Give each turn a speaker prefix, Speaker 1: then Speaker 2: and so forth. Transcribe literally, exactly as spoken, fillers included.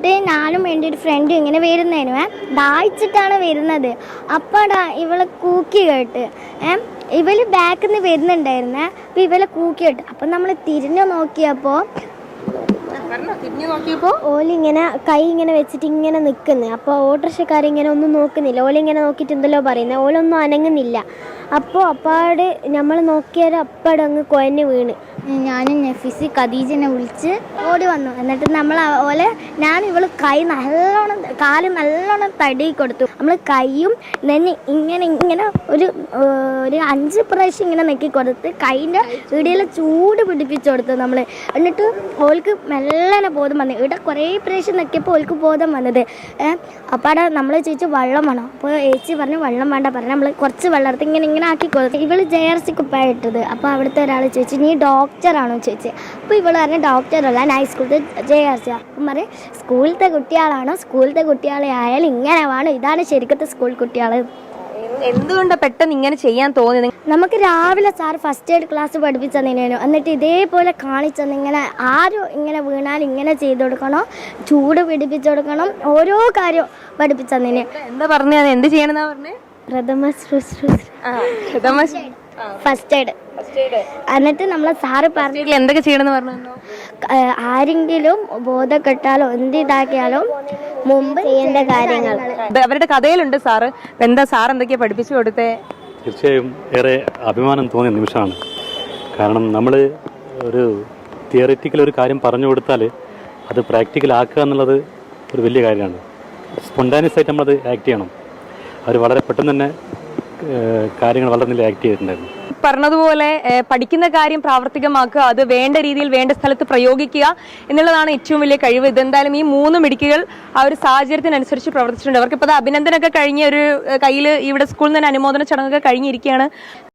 Speaker 1: എന്നിട്ട് ഞാനും എൻ്റെ ഒരു ഫ്രണ്ടും ഇങ്ങനെ വരുന്നതിന് ദാഹിച്ചിട്ടാണ് വരുന്നത്. അപ്പാടാ ഇവളെ കൂക്കി കേട്ട് ഏ ഇവള് ബാക്കിൽ നിന്ന് വരുന്നുണ്ടായിരുന്നേ. അപ്പം ഇവളെ കൂക്കി കേട്ട് അപ്പം നമ്മൾ തിരിഞ്ഞു നോക്കിയപ്പോൾ
Speaker 2: തിരിഞ്ഞു നോക്കിയപ്പോ
Speaker 1: ഓലിങ്ങനെ കൈ ഇങ്ങനെ വെച്ചിട്ട് ഇങ്ങനെ നിൽക്കുന്നത്. അപ്പോൾ ഓട്ടോറിക്ഷക്കാരിങ്ങനെ ഒന്നും നോക്കുന്നില്ല. ഓലിങ്ങനെ നോക്കിയിട്ട് എന്തല്ലോ പറയുന്നത്. ഓലൊന്നും അനങ്ങുന്നില്ല. അപ്പോൾ അപ്പാട് നമ്മൾ നോക്കിയാൽ അപ്പാട് അങ്ങ് കുഴഞ്ഞ് വീണ്. ഞാനും നഫീസ് ഖദീജനെ വിളിച്ച് ഓടി വന്നു. എന്നിട്ട് നമ്മൾ ഓലെ ഞാൻ ഇവൾ കൈ നല്ലോണം കാല് നല്ലോണം തടി കൊടുത്തു. നമ്മൾ കൈയും തന്നെ ഇങ്ങനെ ഇങ്ങനെ ഒരു ഒരു അഞ്ച് പ്രാവശ്യം ഇങ്ങനെ നെക്കി കൊടുത്ത് കൈൻ്റെ ഇടയിൽ ചൂട് പിടിപ്പിച്ചു കൊടുത്തു നമ്മൾ. എന്നിട്ട് ഓൾക്ക് മെല്ലനെ ബോധം വന്നു. ഇവിടെ കുറേ പ്രാവശ്യം നെക്കിയപ്പോൾ ഓൾക്ക് ബോധം വന്നത്. അപ്പോൾ അവിടെ നമ്മൾ ചോദിച്ചു വെള്ളം വേണോ? അപ്പോൾ ഏച്ചി പറഞ്ഞു വെള്ളം വേണ്ട പറഞ്ഞു. നമ്മൾ കുറച്ച് വെള്ളം എടുത്ത് ഇങ്ങനെ ഇങ്ങനെ ആക്കി കൊടുത്തു. ഇവൾ ജെ ആർ സി കുപ്പായിട്ടത്. അപ്പോൾ അവിടുത്തെ ഒരാൾ ചോദിച്ചു നീ ഡോക്ടറാണോ ചോദിച്ചത്. അപ്പോൾ ഇവൾ പറഞ്ഞു ഡോക്ടറല്ല ഞാൻ സ്കൂളിലത്തെ ജെ ആർ സി. അപ്പം പറയും സ്കൂളിലത്തെ കുട്ടികളാണോ? സ്കൂളിലത്തെ കുട്ടികളെ ആയാലും ഇങ്ങനെ വേണം. ഇതാണ് ശരിക്കത്തെ സ്കൂൾ കുട്ടികൾ.
Speaker 2: എന്തുകൊണ്ടാണ് പെട്ടെന്ന് ഇങ്ങനെ ചെയ്യാൻ തോന്നിയത്?
Speaker 1: നമുക്ക് രാവിലെ സാർ ഫസ്റ്റ് എയ്ഡ് ക്ലാസ് പഠിപ്പിച്ചു തന്നേനു. എന്നിട്ട് ഇതേപോലെ കാണിച്ചെന്ന് ഇങ്ങനെ ആരും ഇങ്ങനെ വീണാൽ ഇങ്ങനെ ചെയ്ത് കൊടുക്കണം, ചൂട് പിടിപ്പിച്ചു കൊടുക്കണം, ഓരോ കാര്യം പഠിപ്പിച്ചു തന്നേന്.
Speaker 2: എന്താ പറഞ്ഞത്? എന്ത് ചെയ്യണമെന്നാ പറഞ്ഞേ?
Speaker 1: പ്രഥമ ശുശ്രൂഷ ഫസ്റ്റ് എയ്ഡ്. എന്നിട്ട് നമ്മളെ സാറ് പറഞ്ഞു
Speaker 2: എന്തൊക്കെ ചെയ്യണമെന്ന് പറഞ്ഞു.
Speaker 1: ആരെങ്കിലും ബോധം കെട്ടാലോ എന്ത് ഇതാക്കിയാലും മുമ്പ് ചെയ്യേണ്ട കാര്യങ്ങൾ
Speaker 2: അവരുടെ കഥയിലുണ്ട് സാറ്. എന്താ സാർ എന്തൊക്കെയാ പഠിപ്പിച്ചു കൊടുത്തേ?
Speaker 3: തീർച്ചയായും ഏറെ അഭിമാനം തോന്നിയ നിമിഷമാണ്. കാരണം നമ്മൾ ഒരു തിയറിറ്റിക്കൽ ഒരു കാര്യം പറഞ്ഞു കൊടുത്താൽ അത് പ്രാക്ടിക്കൽ ആക്കുക എന്നുള്ളത് ഒരു വലിയ കാര്യമാണ്. സ്പോണ്ടാനിയസ് ആയിട്ട് നമ്മളത് ആക്ട് ചെയ്യണം. അവർ വളരെ പെട്ടെന്ന് തന്നെ കാര്യങ്ങൾ വളരെ നല്ല ആക്ട് ചെയ്തിട്ടുണ്ടായിരുന്നു.
Speaker 2: പറഞ്ഞതുപോലെ പഠിക്കുന്ന കാര്യം പ്രാവർത്തികമാക്കുക, അത് വേണ്ട രീതിയിൽ വേണ്ട സ്ഥലത്ത് പ്രയോഗിക്കുക എന്നുള്ളതാണ് ഏറ്റവും വലിയ കഴിവ്. ഇതെന്തായാലും ഈ മൂന്ന് മിടുക്കികൾ ആ ഒരു സാഹചര്യത്തിനനുസരിച്ച് പ്രവർത്തിച്ചിട്ടുണ്ട്. അവർക്കിപ്പോൾ അത് അഭിനന്ദനമൊക്കെ കഴിഞ്ഞ ഒരു കയ്യിൽ ഇവിടെ സ്കൂളിൽ നിന്ന് അനുമോദന ചടങ്ങൊക്കെ കഴിഞ്ഞിരിക്കുകയാണ്.